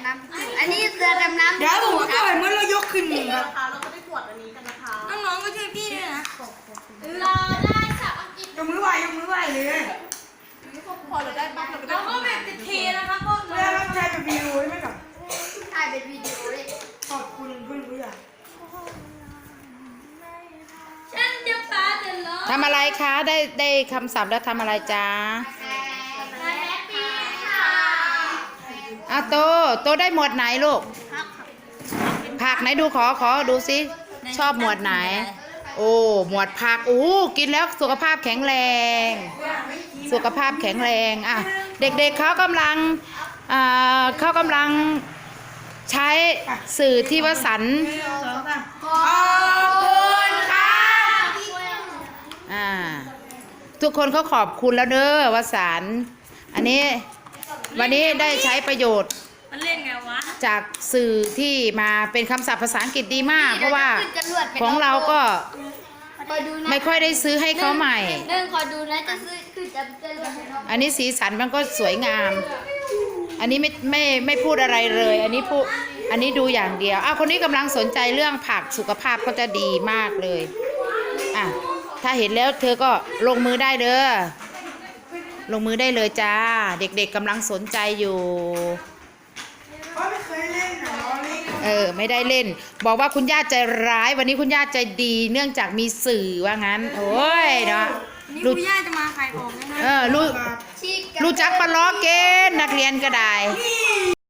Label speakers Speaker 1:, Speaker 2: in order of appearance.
Speaker 1: น้ำอันนี้เรือดำน้ำ
Speaker 2: เดี๋ยวผมก็เมื่อเรายกขึ้นครับ
Speaker 3: นะคะเราก็ได้ตรวจอันนี้กันนะคะ
Speaker 2: น้องๆก็ช่วยพี่ด้วยนะ
Speaker 1: เราได้สับอังกฤษ
Speaker 2: ยกมือไหวเลย
Speaker 3: พอเราได้ปั๊บเราก็ได้
Speaker 2: เราก็แบบติดทีนะคะพวกเรารับใช้แบบวิดีโอใช่ไหมครับ
Speaker 1: ถ่ายเป็นวิดีโอเลย
Speaker 2: ขอบคุณเพื่อนผู้ใหญ่
Speaker 1: ฉันจะปาเดินล้อ
Speaker 4: ทำอะไรคะได้คำศัพท์แล้วทำอะไรจ้า
Speaker 1: แฮปปี้ค่ะ
Speaker 4: โตได้หมวดไหนลูกผักไหนดูขอดูซิชอบหมวดไหน โอ้หมวดผักกินแล้วสุขภาพแข็งแรง สุขภาพแข็งแรงอ่ะเด็กๆเขากำลังใช้สื่อที่วสันต์
Speaker 2: ขอบคุณค่ะ
Speaker 4: ทุกคนเขาขอบคุณแล้วเด้อวสันต์อันนี้วันนี้ได้ใช้ประโยชน์
Speaker 2: มันเล่นไงวะ
Speaker 4: จากสื่อที่มาเป็นคำศัพท์ภาษาอังกฤษดีมาก เพราะว่าของเราก็
Speaker 1: คอยดูนะ
Speaker 4: ไม่ค่อยได้ซื้อให้เขาใหม่
Speaker 1: หนึ่งคอยดูนะจะซื้อคือจะรวดไปนอก
Speaker 4: อันนี้สีสันมันก็สวยงาม อันนี้ไม่พูดอะไรเลย อันนี้ดูอย่างเดียวคนนี้กำลังสนใจเรื่องผักสุขภาพเขาจะดีมากเลยถ้าเห็นแล้วเธอก็ลงมือได้เด้อลงมือได้เลยจ้าเด็กๆกำลังสนใจอยู่
Speaker 2: ไม่เคยเล่นนะน้องนี่
Speaker 4: ไม่ได้เล่น บอกว่าคุณย่าใจร้ายวันนี้คุณย่าใจดีเนื่องจากมีสื่อว่างั้นโอ้ยเนาะ
Speaker 2: นี่คุณย่าจะมาขายของนะ
Speaker 4: รู้
Speaker 1: ชีก
Speaker 4: รู้จักปลาล้อเกณฑ์นักเรียนก็ได้